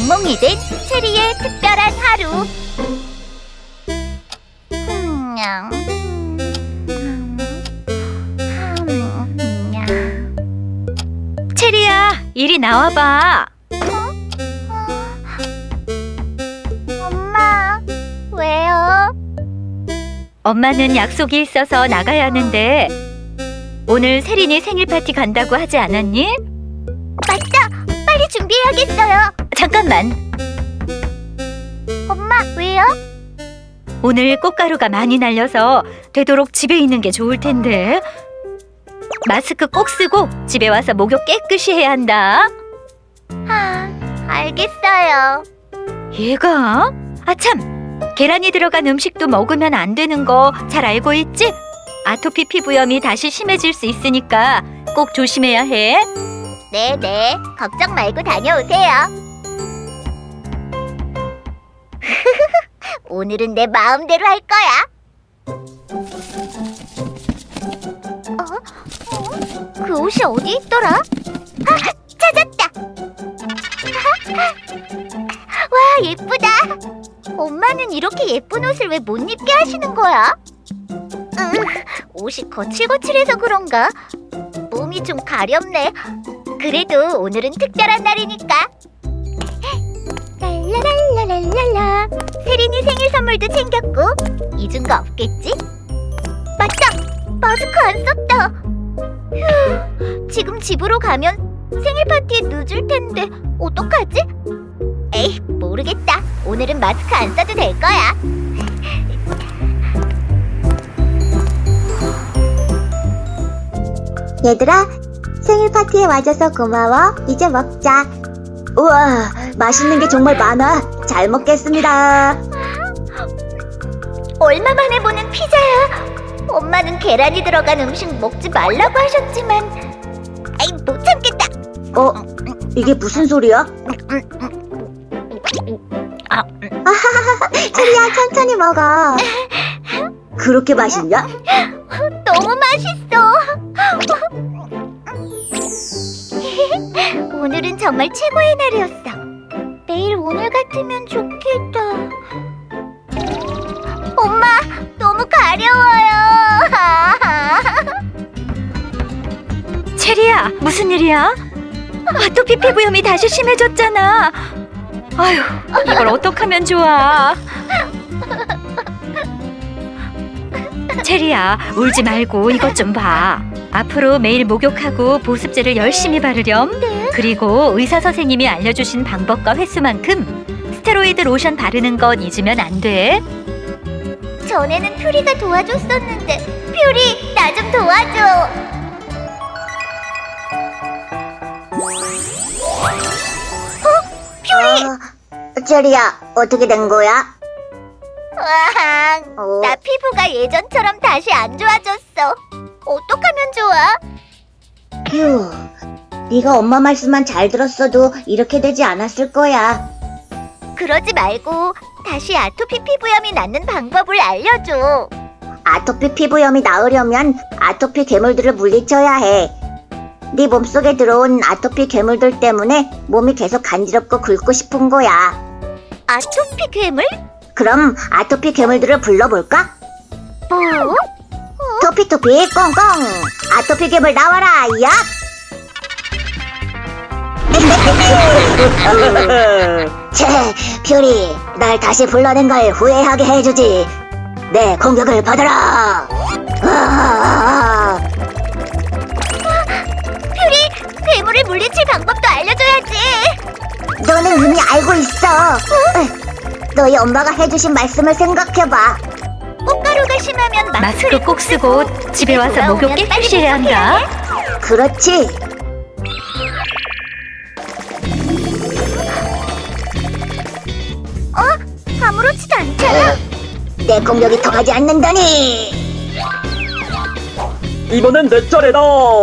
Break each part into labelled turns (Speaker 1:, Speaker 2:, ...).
Speaker 1: 몽몽이 된 체리의 특별한 하루.
Speaker 2: 체리야, 이리 나와봐.
Speaker 1: 엄마, 왜요?
Speaker 2: 엄마는 약속이 있어서 나가야 하는데 오늘 세린이 생일 파티 간다고 하지 않았니?
Speaker 1: 맞다! 빨리 준비해야겠어요.
Speaker 2: 잠깐만.
Speaker 1: 엄마, 왜요?
Speaker 2: 오늘 꽃가루가 많이 날려서 되도록 집에 있는 게 좋을 텐데. 마스크 꼭 쓰고 집에 와서 목욕 깨끗이 해야 한다.
Speaker 1: 알겠어요.
Speaker 2: 얘가? 아참! 계란이 들어간 음식도 먹으면 안 되는 거 잘 알고 있지? 아토피 피부염이 다시 심해질 수 있으니까 꼭 조심해야 해.
Speaker 1: 네네, 걱정 말고 다녀오세요. 오늘은 내 마음대로 할 거야. 그 옷이 어디 있더라? 찾았다. 와, 예쁘다. 엄마는 이렇게 예쁜 옷을 왜 못 입게 하시는 거야? 옷이 거칠거칠해서 그런가? 몸이 좀 가렵네. 그래도 오늘은 특별한 날이니까. 랄라랄라랄라. 세린이 생일 선물도 챙겼고 잊은 거 없겠지? 맞다! 마스크 안 썼다. 휴, 지금 집으로 가면 생일 파티에 늦을 텐데 어떡하지? 에이, 모르겠다. 오늘은 마스크 안 써도 될 거야.
Speaker 3: 얘들아, 생일 파티에 와줘서 고마워. 이제 먹자. 우와, 맛있는 게 정말 많아. 잘 먹겠습니다.
Speaker 1: 얼마 만에 보는 피자야. 엄마는 계란이 들어간 음식 먹지 말라고 하셨지만 아이, 못 참겠다.
Speaker 3: 이게 무슨 소리야? 체리야, 천천히 먹어. 그렇게 맛있냐?
Speaker 1: 너무 맛있어. 오늘은 정말 최고의 날이었어. 매일 오늘 같으면 좋겠다. 엄마, 너무 가려워요.
Speaker 2: 체리야, 무슨 일이야? 아토피 피부염이 다시 심해졌잖아. 아휴, 이걸 어떡하면 좋아. 체리야, 울지 말고 이것 좀 봐. 앞으로 매일 목욕하고 보습제를 열심히 바르렴. 그리고 의사 선생님이 알려주신 방법과 횟수만큼 스테로이드 로션 바르는 건 잊으면 안 돼.
Speaker 1: 전에는 퓨리가 도와줬었는데 퓨리, 나 좀 도와줘. 퓨리!
Speaker 3: 체리야, 어떻게 된 거야?
Speaker 1: 나 피부가 예전처럼 다시 안 좋아졌어. 어떡하면 좋아?
Speaker 3: 휴, 네가 엄마 말씀만 잘 들었어도 이렇게 되지 않았을 거야.
Speaker 1: 그러지 말고 다시 아토피 피부염이 낫는 방법을 알려줘.
Speaker 3: 아토피 피부염이 나으려면 아토피 괴물들을 물리쳐야 해. 네 몸속에 들어온 아토피 괴물들 때문에 몸이 계속 간지럽고 긁고 싶은 거야.
Speaker 1: 아토피 괴물?
Speaker 3: 그럼 아토피 괴물들을 불러볼까?
Speaker 1: 뭐?
Speaker 3: 토피토피 꽁꽁, 아토피 괴물 나와라, 야! 채, 퓨리, 날 다시 불러낸 걸 후회하게 해주지. 내 공격을 받아라.
Speaker 1: 퓨리, 괴물을 물리칠 방법도 알려줘야지.
Speaker 3: 너는 이미 알고 있어. 너희 엄마가 해주신 말씀을 생각해봐.
Speaker 1: 꽃가루가 심하면
Speaker 2: 마스크 꼭 쓰고 집에 와서 목욕 깨끗이 해야 한다.
Speaker 3: 그렇지.
Speaker 1: 아무렇지도 않잖아.
Speaker 3: 내 공격이 통하지 않는다니.
Speaker 4: 이번엔 내 차례다.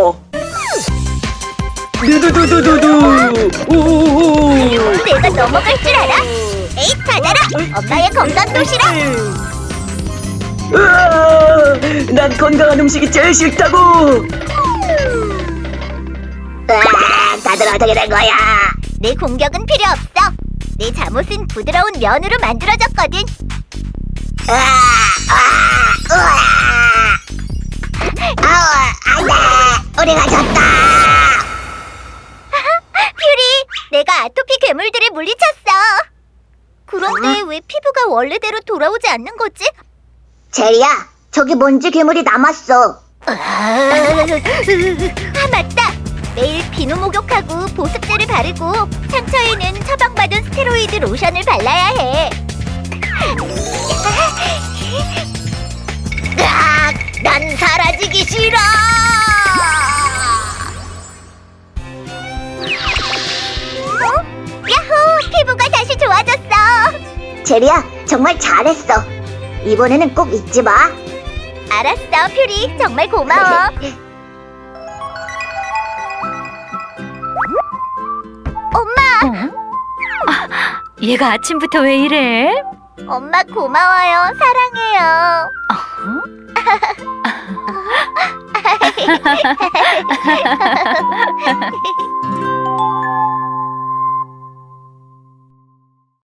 Speaker 4: 두두두두두두. 우우우.
Speaker 1: 내가 넘어갈 줄 알아? 에이, 받아라. 엄마의 건강 도시락.
Speaker 4: 으아, 난 건강한 음식이 제일 싫다고.
Speaker 3: 다들 어떻게 된 거야?
Speaker 1: 내 공격은 필요 없어. 내 잠옷은 부드러운 면으로 만들어졌거든.
Speaker 3: 안돼, 우리가 졌다.
Speaker 1: 퓨리, 내가 아토피 괴물들을 물리쳤어. 그런데 왜 피부가 원래대로 돌아오지 않는 거지?
Speaker 3: 제리야, 저기 먼지 괴물이 남았어.
Speaker 1: 아, 맞다. 매일 비누 목욕하고 보습제를 바르고 상처에는 처방받은 스테로이드 로션을 발라야 해. 으악, 난 사라지기 싫어. 야호, 피부가 다시 좋아졌어.
Speaker 3: 제리야, 정말 잘했어. 이번에는 꼭 잊지 마.
Speaker 1: 알았어, 퓨리. 정말 고마워. 엄마,
Speaker 2: 얘가 아침부터 왜 이래?
Speaker 1: 엄마 고마워요. 사랑해요.